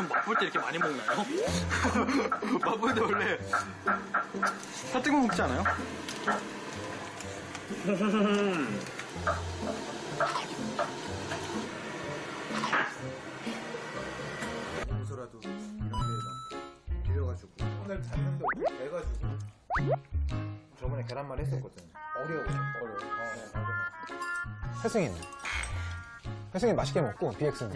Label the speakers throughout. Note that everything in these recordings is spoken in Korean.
Speaker 1: 보통 맛볼 때 이렇게 많이 먹나요? 맛볼 때 원래 다 뜨거 먹지 않아요?
Speaker 2: 평소라도 이런 데막 빌려가지고 오늘 잤는데 오늘 돼가지고 저번에 계란말 했었거든. 어려워. 맞아.
Speaker 3: 혜승이 맛있게 먹고 BX는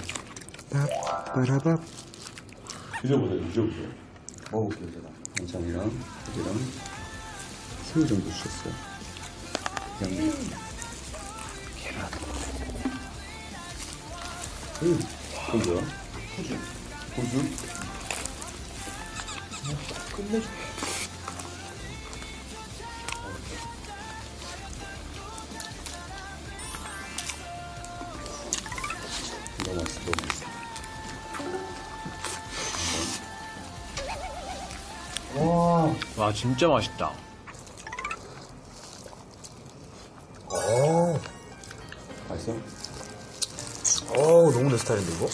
Speaker 2: 빠라밥.
Speaker 4: 드셔보세요. 먹어볼게요, 제가. 반찬이랑 고기랑 새우 정도 주셨어요. 양념. 계란. 그건 뭐야? 호주?
Speaker 2: 끝내줘.
Speaker 4: 너무 맛있어, 너무 맛있어.
Speaker 1: 와 진짜 맛있다.
Speaker 4: 맛있어?
Speaker 2: 너무 내 스타일인데 이거?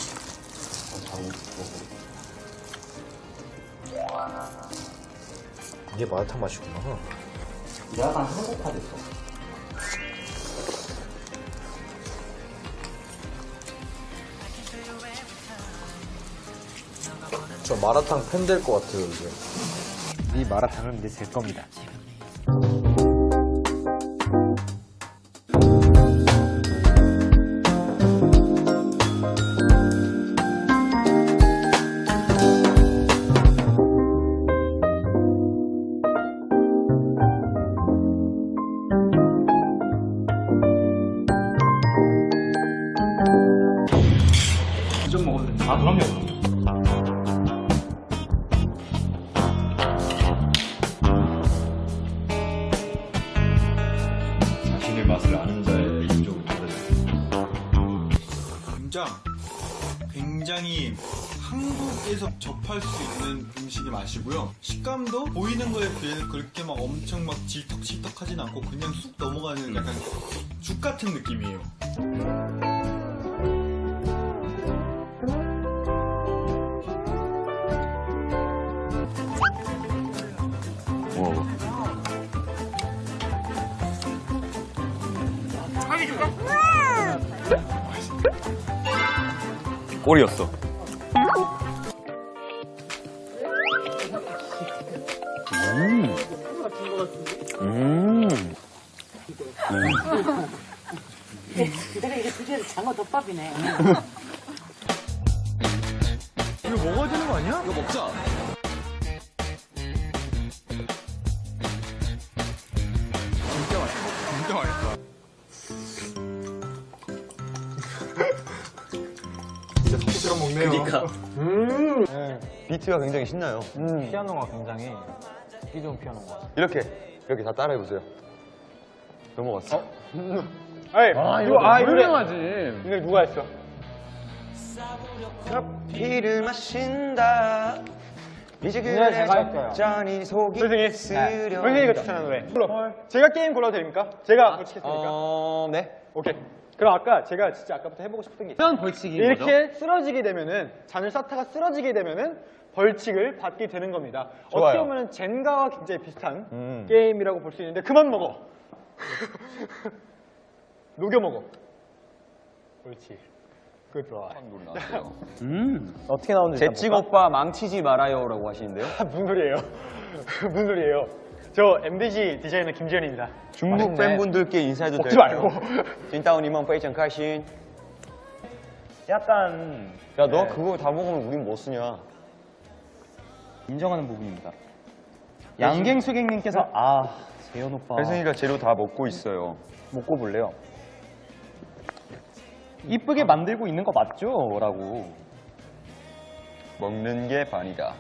Speaker 2: 이게 마라탕 맛이구나.
Speaker 4: 약간 한국화 됐어.
Speaker 2: 저 마라탕 팬 될 것 같아요 이제.
Speaker 3: 이 마라탕은 이제 제 겁니다.
Speaker 1: 좀 먹어도 돼? 아 그럼요.
Speaker 4: 자신의 맛을 아는 자의 인종을 찾아라.
Speaker 1: 굉장히 한국에서 접할 수 있는 음식의 맛이고요. 식감도 보이는 거에 비해서 그렇게 막 엄청 막 질퍽질퍽하진 않고 그냥 쑥 넘어가는 약간 죽 같은 느낌이에요.
Speaker 4: 꼴이었어.
Speaker 5: 내가 이게 드디어 장어 덮밥이네.
Speaker 1: 이거 먹어야 되는 거 아니야? 이거 먹자. 진짜 맛있다.
Speaker 3: 진짜 토끼처럼 먹네요.
Speaker 4: 그러니까. 비트가 굉장히 신나요.
Speaker 3: 피아노가 굉장히 듣기 좋은 피아노가.
Speaker 4: 이렇게 다 따라해보세요. 넘어갔어.
Speaker 3: 이거 유명하지. 이거 누가 했어?
Speaker 4: 커피를 마신다. 이제
Speaker 3: 제가 했어요.
Speaker 4: 잔이 속이 쓰려.
Speaker 3: 선생님이 추천한 노래. 제가 게임 골라도 됩니까? 제가 벌칙했으니까.
Speaker 4: 네.
Speaker 3: 오케이. 그럼 아까 제가 진짜 아까부터 해보고 싶은 게 있어요.
Speaker 6: 어떤 벌칙인 거죠?
Speaker 3: 이렇게 쓰러지게 되면은 잔을 쌓다가 쓰러지게 되면은 벌칙을 받게 되는 겁니다.
Speaker 4: 좋아요.
Speaker 3: 어떻게 보면 젠가와 굉장히 비슷한 게임이라고 볼 수 있는데 그만 먹어. 녹여 먹어. 옳지. 그 좋아. 어떻게 나오는지
Speaker 6: 재찍 오빠 망치지 말아요라고 하시는데요?
Speaker 3: 무슨 소리예요? 무슨 소리예요? 저 MBG 디자이너 김지현입니다.
Speaker 4: 중국 팬분들께 인사해도
Speaker 3: 먹지
Speaker 4: 될까요?
Speaker 3: 말고.
Speaker 4: 진따오님은 페이션 카신.
Speaker 3: 약간
Speaker 4: 야, 너 그거 다 먹으면 우린 뭐 쓰냐?
Speaker 6: 인정하는 부분입니다. 양갱수객님께서 재현 오빠
Speaker 4: 혜승이가 재료 다 먹고 있어요.
Speaker 6: 먹고 볼래요? 이쁘게 만들고 있는 거 맞죠? 라고.
Speaker 4: 먹는 게 반이다.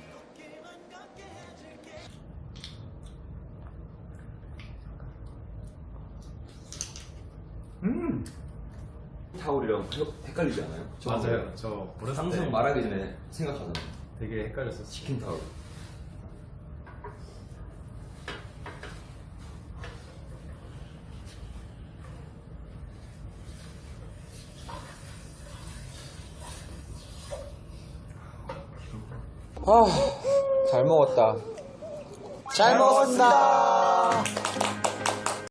Speaker 4: 타올이랑 헷갈리지 않아요?
Speaker 7: 맞아요. 저 어렸을
Speaker 4: 항상
Speaker 7: 때
Speaker 4: 말하기 전에 생각하잖아요.
Speaker 7: 되게 헷갈렸었어요.
Speaker 4: 치킨 타올.
Speaker 2: 잘 먹었다. 잘 먹었습니다.